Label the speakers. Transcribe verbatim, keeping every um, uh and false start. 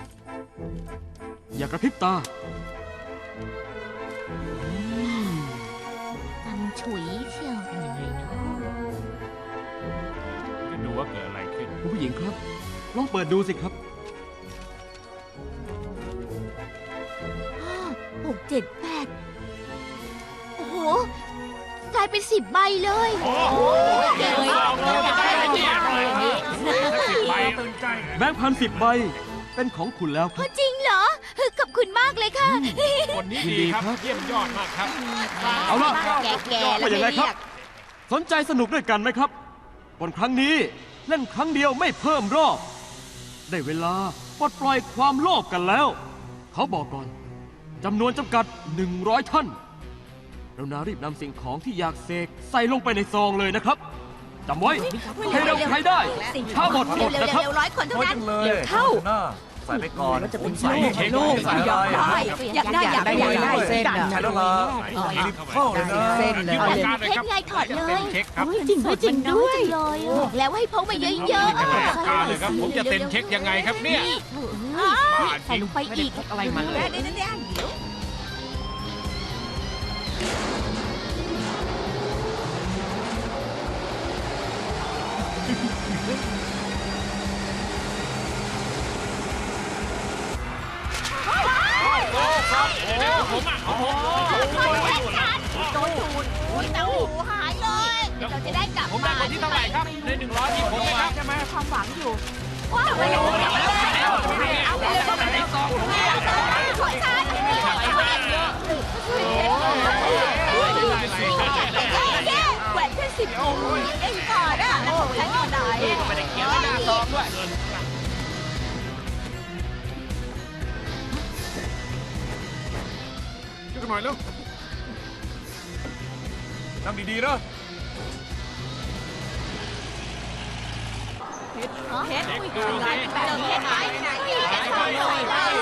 Speaker 1: อย่ากระพริบตา
Speaker 2: ตังฉุยเชียวเป็นยังไงเนาะ
Speaker 3: จะดูว่าเกิดอะไรขึ้น
Speaker 1: คุณผู้หญิงครับ ลองเปิดดูสิครับ
Speaker 2: ห้าหกเจ็ดแปดโอ้โหกลายเป็นสิบใบเลย
Speaker 3: โอ้โหเก่งมากเลยได้เนี่ยเลยสิบใบตื่นใจ
Speaker 1: แบงค์พันสิบใบ เป็นของคุณแล้วครับ
Speaker 2: จริงเหรอ ขอบคุณมากเลยค่ะ
Speaker 3: คนนี้ดีครับ เยี่ยมยอดมากครับ
Speaker 1: เอาล่ะ
Speaker 2: แก่ๆแล้ว
Speaker 1: ว่าอย่างไร
Speaker 2: ไม่
Speaker 1: ครั
Speaker 2: เรี
Speaker 1: บ
Speaker 2: ยก
Speaker 1: สนใจสนุกด้วยกันไหมครับบนครั้งนี้เล่นครั้งเดียวไม่เพิ่มรอบ ได้เวลาปลดปล่อยความโลภกันแล้ว เขาบอกก่อนจำนวนจำกัด หนึ่งร้อย ท่านเรานารีบนำสิ่งของที่อยากเสกใส่ลงไปในซองเลยนะครับจำไว้ใครเร็วใครได้ถ้าหมดหมด
Speaker 2: เร็ว
Speaker 1: นะครับ
Speaker 2: ๆๆร้อยคนเท่านั้น
Speaker 4: เร็วเข้าใส่ไปก่อนจะเป็นใส่เค้กลูกใส่อะไร
Speaker 2: อยากได้อยากได้อยากได้เส้น
Speaker 4: ใช่แล้วล่ะรีบเข้าเลยนะ
Speaker 3: เส้นเลยเอาเลย
Speaker 2: เค้กไงถอดเลย
Speaker 3: เค้กครับ
Speaker 2: จริงด้วยจริงด้วยบอกแล้วว่าให้พกมาเยอะๆ
Speaker 3: การเลยครับ ผมจะเซ็นเช็คยังไงครับเนี่ย
Speaker 2: ใส่ลงไปอีก
Speaker 5: อะไรมาเลย
Speaker 2: เดี๋ยวเดี๋ยวเดี๋ยว
Speaker 3: เดี๋ยวผมอ่ะเอาผม
Speaker 2: โดนดูดโอ้ยเต้าหูหายเลยเดี๋ยวเราจะได้กลับ
Speaker 3: ผมได้คนที่เท่าไหร่ครับ ในหนึ่งร้อยที่ผมไหมครับใช่ไหม
Speaker 2: ความหวังอยู่ว้าวเอาไปเลยเอาไปเลยเอาไปเลยสองขอชาร์จแหวนแค่สิบองค์เองก่อนอ่ะแล้วของฉันอยู่ไหน
Speaker 3: ไม่ได้เขียนไว้หน้าซองด้วย ช่วยกันหน่อยเร็ว
Speaker 4: นั่งดีๆนะ
Speaker 2: เพชรเพชรแบบเพชรไหมไหนเพชรไหน